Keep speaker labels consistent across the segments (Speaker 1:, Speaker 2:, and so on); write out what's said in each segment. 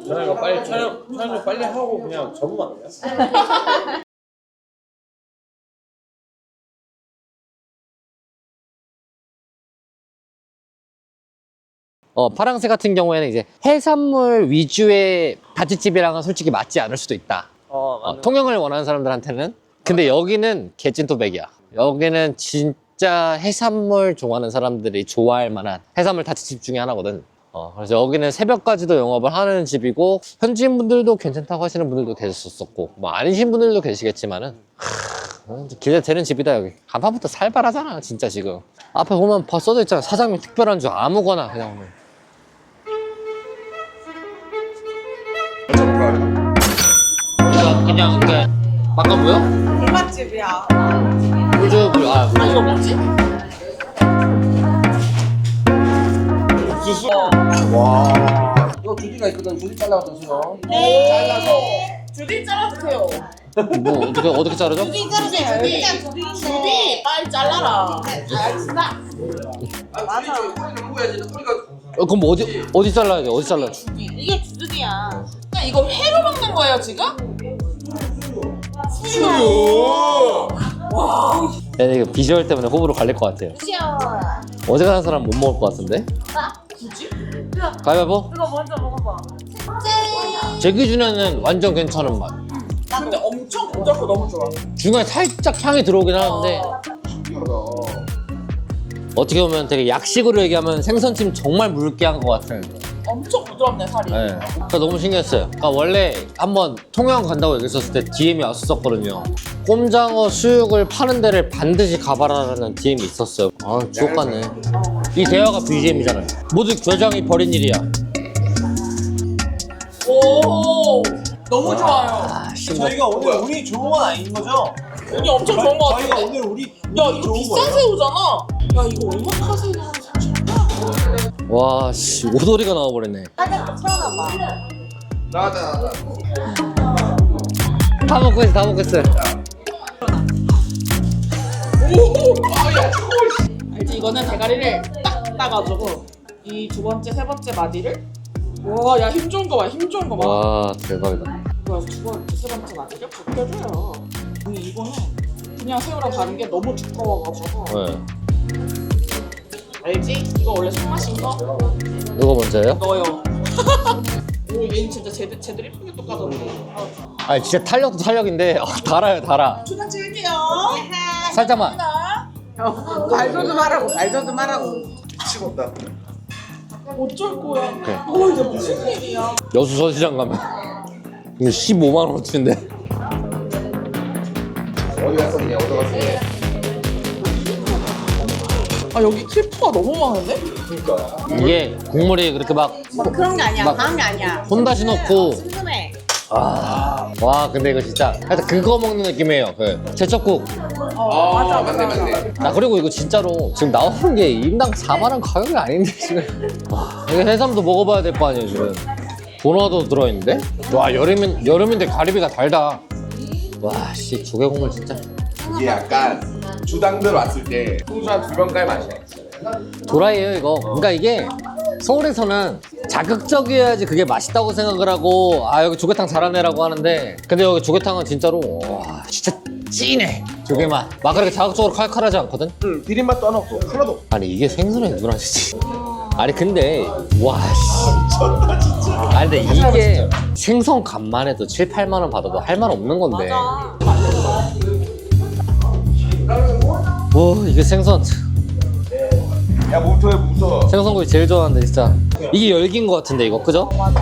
Speaker 1: 이거 빨리 촬영 좀 빨리 하고 그냥 접으면 안 돼요?
Speaker 2: 파랑새 같은 경우에는 이제 해산물 위주의 다찌집이랑은 솔직히 맞지 않을 수도 있다. 통영을 원하는 사람들한테는. 근데 여기는 개찐토백이야. 여기는 진짜 해산물 좋아하는 사람들이 좋아할 만한 해산물 다찌집 중에 하나거든. 그래서 여기는 새벽까지도 영업을 하는 집이고, 현지인 분들도 괜찮다고 하시는 분들도 계셨었고, 뭐 아니신 분들도 계시겠지만은 기대되는 집이다. 여기 간판부터 살벌하잖아 진짜. 지금 앞에 보면 써져 있잖아. 사장님 특별한 줄. 아무거나 그냥 오늘. 그냥 이렇게 바꿔보여?
Speaker 3: 불맛집이야.
Speaker 2: 물주
Speaker 3: 이거 뭐지?
Speaker 1: 옥수수?
Speaker 4: 와. 이거 주디가 있거든. 주디 잘라서 드세요.
Speaker 3: 잘라서. 주디 잘라주세요.
Speaker 2: 뭐 어떻게 자르죠?
Speaker 3: 주디 자르세요. 주디 빨리 잘라라. 알겠습니다. 맞아.
Speaker 2: 그럼 뭐 어디 잘라야 돼? 어디 잘라야 돼?
Speaker 3: 이게 주둥이야. 그냥 이거 회로 먹는 거예요 지금? 수요. 와.
Speaker 2: 이거 비주얼 때문에 호불호 갈릴 것 같아요. 어제 가는 사람 못 먹을 것 같은데?
Speaker 3: 굳이?
Speaker 2: 가위바위보?
Speaker 3: 이거 먼저 먹어봐.
Speaker 2: 제 기준에는 완전 괜찮은 맛.
Speaker 3: 근데 엄청 고작고 너무 좋아.
Speaker 2: 중간에 살짝 향이 들어오긴 하는데, 어떻게 보면 되게 약식으로 얘기하면 생선찜 정말 묽게 한 것 같은.
Speaker 3: 엄청 부드럽네 살이.
Speaker 2: 네. 그러니까 너무 신기했어요. 그러니까 원래 한번 통영 간다고 얘기했었을 때 DM이 왔었거든요. 꼼장어 수육을 파는 데를 반드시 가봐라라는 DM이 있었어요. 아, 주옥 같네. 이 대화가 BGM이잖아요. 모두 교장이 벌인 일이야.
Speaker 3: 오. 너무 좋아요.
Speaker 2: 아,
Speaker 1: 저희가 오늘 운이 좋은 건 아닌 거죠?
Speaker 3: 운이 엄청 좋은 거
Speaker 1: 저희가
Speaker 3: 같아.
Speaker 1: 오늘 우리
Speaker 3: 야 이거 비싼 새우잖아. 야 이거 얼마나 새우야?
Speaker 2: 와, 씨, 오돌이가 나와버렸네.
Speaker 3: 태어나봐.
Speaker 4: 나왔다.
Speaker 2: 다 먹고 있어, 다 먹고 있어.
Speaker 3: 알지? 이거는 대가리를 딱 따가지고 이 두 번째, 세 번째 마디를 와, 야 힘 좋은 거 봐, 힘 좋은 거 봐.
Speaker 2: 와, 대박이다.
Speaker 3: 그래서 두 번째, 세 번째 마디를 벗겨줘요. 근데 이거는 그냥 새우랑 다른 게 너무 두꺼워가지고
Speaker 2: 네.
Speaker 3: 알지? 이거 원래 손맛인 거?
Speaker 2: 이거 먼저요?
Speaker 3: 넣어요. 오, 얘는 진짜 쟤들 이쁘게 똑같았네.
Speaker 2: 아니, 진짜 탄력도 탄력인데, 달아요, 달아.
Speaker 3: 초장 찍을게요.
Speaker 2: 살짝만.
Speaker 3: 말도 좀 하라고.
Speaker 4: 미치겠다.
Speaker 3: 어쩔 거야.
Speaker 2: 그래.
Speaker 3: 이게 무슨 일이야?
Speaker 2: 여수 서시장 가면 이거 15만 원어치인데.
Speaker 4: 어디 갔었냐? 어디 갔었냐?
Speaker 3: 아 여기 클프가 너무 많은데?
Speaker 4: 그러니까.
Speaker 2: 이게 국물이 그렇게 막
Speaker 5: 그런 게 아니야.
Speaker 2: 막
Speaker 5: 그런 게 아니야.
Speaker 2: 혼다시 넣고.
Speaker 5: 슴슴해.
Speaker 2: 와, 근데 이거 진짜 하여튼 그거 먹는 느낌이에요. 그 제첩국.
Speaker 4: 맞아. 맞네.
Speaker 2: 그리고 이거 진짜로 지금 나오는 게 인당 4만 원 가격이 아닌데 지금. 와, 이거 해삼도 먹어봐야 될 거 아니에요 지금. 도너도 들어있는데? 와, 여름인데 가리비가 달다. 와, 씨, 조개국물 진짜.
Speaker 4: 이게 약간 주당들 왔을 때 풍수한 두 병갈 맛이야.
Speaker 2: 도라이에요 이거. 그러니까 이게 서울에서는 자극적이어야지 그게 맛있다고 생각을 하고, 아 여기 조개탕 잘하네라고 하는데, 근데 여기 조개탕은 진짜로 와 진짜 찐해. 조개맛 막 그렇게 자극적으로 칼칼하지 않거든.
Speaker 4: 응. 비린맛도 하나 없고 하나도.
Speaker 2: 아니 이게 생선에 누나 진짜. 아니 근데 와 씨.
Speaker 4: 미쳤다 진짜.
Speaker 2: 아니 근데 이게 생선 값만 해도 7, 8만 원 받아도 할 말 없는 건데. 와 이게 생선.
Speaker 4: 야 몬토에 무서워.
Speaker 2: 생선구이 제일 좋아하는데 진짜. 이게 열기인 것 같은데 이거 그죠?
Speaker 3: 맞아.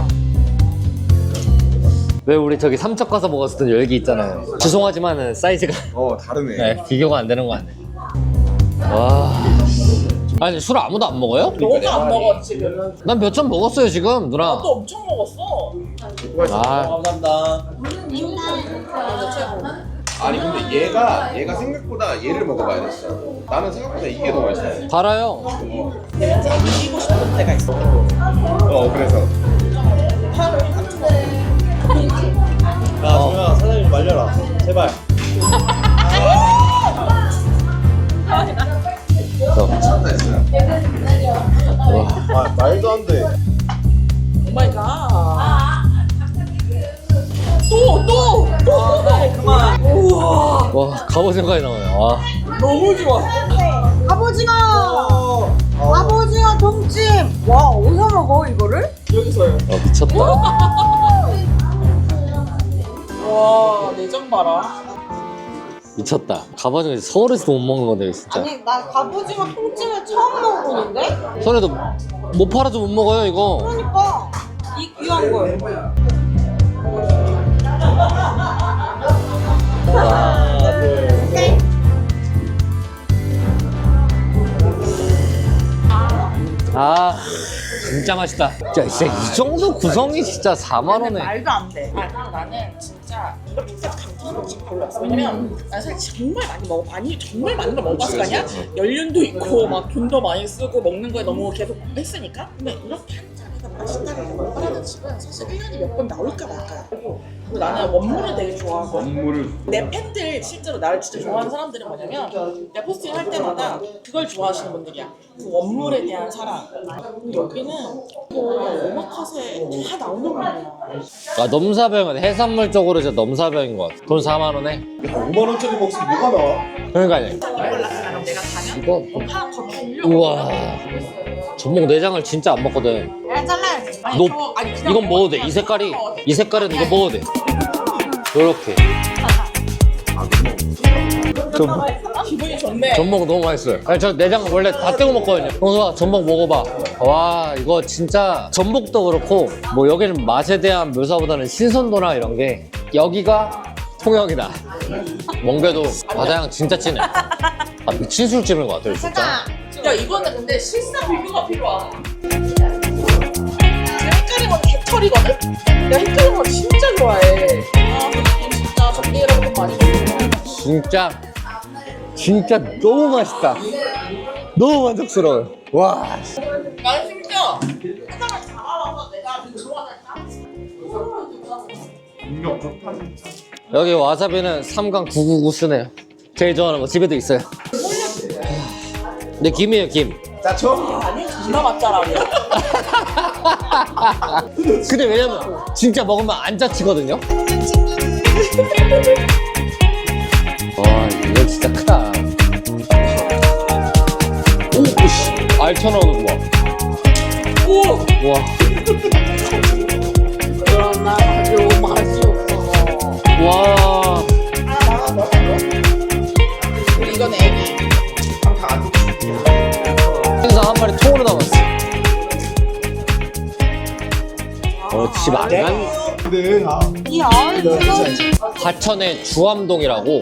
Speaker 2: 왜 우리 저기 삼척 가서 먹었던 열기 있잖아요. 죄송하지만은 사이즈가
Speaker 4: 다르네.
Speaker 2: 네, 비교가 안 되는 거 같네. 와. 아니 술 아무도 안 먹어요?
Speaker 3: 너도 안 먹어 지금.
Speaker 2: 난 몇 점 먹었어요 지금 누나.
Speaker 3: 나도 엄청 먹었어.
Speaker 2: 아,
Speaker 1: 감사합니다.
Speaker 3: 완전 최고.
Speaker 4: 아니 근데 얘가 생각보다 얘를 먹어봐야 됐어. 나는 생각보다 이게 더 맛있어.
Speaker 2: 달아요.
Speaker 3: 내가 제일 이기고 싶은 데가 있어.
Speaker 4: 그래서.
Speaker 1: 야, 정현아, 사장님 말려라. 제발.
Speaker 4: 미쳤다 했어요.
Speaker 1: 아, 말도 안 돼.
Speaker 3: 오 마이 갓.
Speaker 2: 와, 갑오징어까지 나와요. 와.
Speaker 3: 너무 좋아.
Speaker 5: 갑오징어! 갑오징어 동찜! 와, 어디서 먹어, 이거를?
Speaker 3: 여기서요.
Speaker 2: 미쳤다.
Speaker 3: 와, 내장 봐라.
Speaker 2: 미쳤다. 갑오징어 서울에서도 못 먹는 건데, 진짜.
Speaker 5: 아니, 나 갑오징어 통찜을 처음 먹어보는데?
Speaker 2: 서울에도 못 팔아도 못 먹어요, 이거.
Speaker 5: 그러니까, 이 귀한 걸.
Speaker 2: 아, 진짜 맛있다. 진짜 이 정도 구성이 진짜 4만 원에.
Speaker 3: 말도 안 돼. 나는 진짜 이렇게까지 감탄하지 별로 없어. 왜냐면 난 사실 정말 많이 먹어. 정말 많은 걸 먹어봤을 거 아니야? 연륜도 있고 막 돈도 많이 쓰고 먹는 거에 너무 계속 했으니까. 근데 이렇게 한 잔에다 맛있다고 먹으라는 집은 사실 1년에 몇 번 나올까 말까. 그리고 나는 원물을 되게 좋아하고 내 팬들 실제로 나를 진짜 좋아하는 사람들은 뭐냐면 내가 포스팅 할 때마다 그걸 좋아하시는 분들이야. 그 원물에 대한 사랑. 근데 여기는 오마카세 다 나오는 거야.
Speaker 2: 아, 넘사벽은 해산물 쪽으로 진짜 넘사벽인 것 같아. 돈 4만 원에.
Speaker 4: 5만 원짜리 먹으면 뭐가 나와?
Speaker 2: 그러니까요.
Speaker 3: 그럼 내가 가면
Speaker 2: 이거.
Speaker 3: 하나 더 주려고.
Speaker 2: 우와. 전복 내장을 진짜 안 먹거든.
Speaker 5: 야, 잘라야지.
Speaker 3: 아니,
Speaker 2: 너
Speaker 3: 저, 아니, 그냥
Speaker 2: 이건 먹어도 돼. 이 색깔이. 이 색깔은 이거 먹어도 돼. 요렇게.
Speaker 3: 기분이 좋네.
Speaker 2: 전복 너무 맛있어요. 아니, 저 내장 원래 다 떼고 먹거든요. 형수가 전복 먹어봐. 와, 이거 진짜 전복도 그렇고 뭐 여기는 맛에 대한 묘사보다는 신선도나 이런 게 여기가 통영이다. 멍게도 바다향 진짜 진해. 아, 미친 술집인 것 같아요, 진짜.
Speaker 3: 야, 이거는 근데 실사 비교가 필요하다. 헷갈린 건 개털이거든? 내가 헷갈린 건 진짜 좋아해. 아, 근데 진짜 정리라고 돈 많이 주고.
Speaker 2: 진짜 너무 맛있다. 너무 만족스러워요. 와.
Speaker 3: 나는 심지어 해장을 잘 알아서 내가 좋아하는
Speaker 4: 능력 좋다 진짜.
Speaker 2: 여기 와사비는 3강 999 쓰네요. 제일 좋아하는 거 집에도 있어요. 근데 김이에요, 김.
Speaker 4: 짜쳐?
Speaker 3: 아니, 존나 맛잘알이야.
Speaker 2: 근데 왜냐면 진짜 먹으면 안 자치거든요. 와, 이거 진짜 크다. 오, 씨, 알쳐 나오는 거 봐.
Speaker 3: 오!
Speaker 2: 와,
Speaker 3: 그러나 아주 맛이 없어.
Speaker 2: 와.
Speaker 3: 그리고 이건 애기.
Speaker 2: 생선 한 마리 통으로 담았어. 집 안간
Speaker 4: 근데
Speaker 5: 이 아이스가
Speaker 2: 화천의 주암동이라고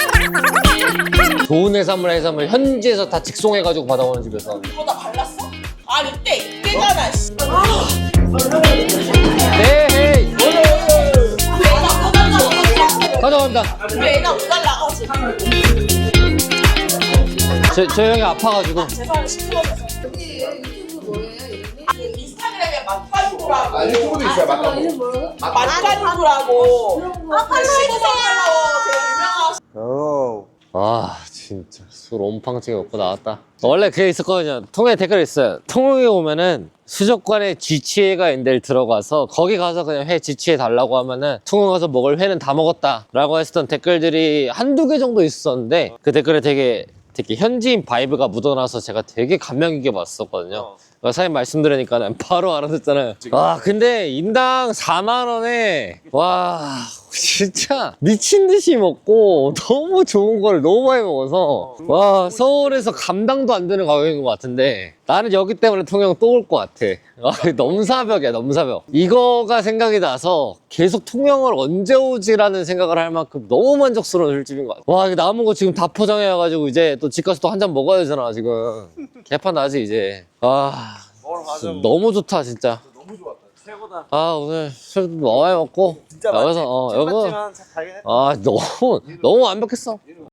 Speaker 2: 좋은 해산물 현지에서 다 직송해가지고 받아오는 집에서.
Speaker 3: 이거 다 발랐어? 아, 이때잖아, 씨.
Speaker 2: 네, 헤이.
Speaker 3: 애가 못 날라가지.
Speaker 2: 가져간다.
Speaker 3: 왜 애가 못 날라가지?
Speaker 2: 저 형이 아파가지고.
Speaker 3: 재산을 시끄러워서. 인스타그램에 맛가지고라고.
Speaker 4: 아 유튜브도 있어요 맞다고.
Speaker 3: 맛가지고라고.
Speaker 5: 아, 팔로우 해주세요.
Speaker 3: 되게 유명하시.
Speaker 2: 아, 진짜 술 온팡치게 먹고 나왔다. 원래 그게 있었거든요. 통영에 댓글이 있어요. 통영에 오면은 수족관에 쥐치회가 있는 데를 들어가서 거기 가서 그냥 회 지치해 달라고 하면은 통영 가서 먹을 회는 다 먹었다 라고 했었던 댓글들이 한두 개 정도 있었는데 그 댓글에 되게 현지인 바이브가 묻어나서 제가 되게 감명 깊게 봤었거든요. 사장님 말씀 들으니까 바로 알아듣잖아요. 와, 근데 인당 4만 원에 와 진짜 미친 듯이 먹고 너무 좋은 걸 너무 많이 먹어서 와, 서울에서 감당도 안 되는 가격인 것 같은데 나는 여기 때문에 통영 또 올 것 같아. 와, 넘사벽이야, 넘사벽. 이거가 생각이 나서 계속 통영을 언제 오지라는 생각을 할 만큼 너무 만족스러운 술집인 것 같아. 와, 이거 남은 거 지금 다 포장해가지고 이제 또 집 가서 또 한 잔 먹어야 되잖아 지금. 개판 나지 이제. 아, 너무 좋다 진짜.
Speaker 1: 너무 좋았다. 최고다.
Speaker 2: 아, 오늘 술 너무 많이 먹고
Speaker 1: 진짜
Speaker 2: 여기서 여기
Speaker 1: 잘
Speaker 2: 너무 완벽했어.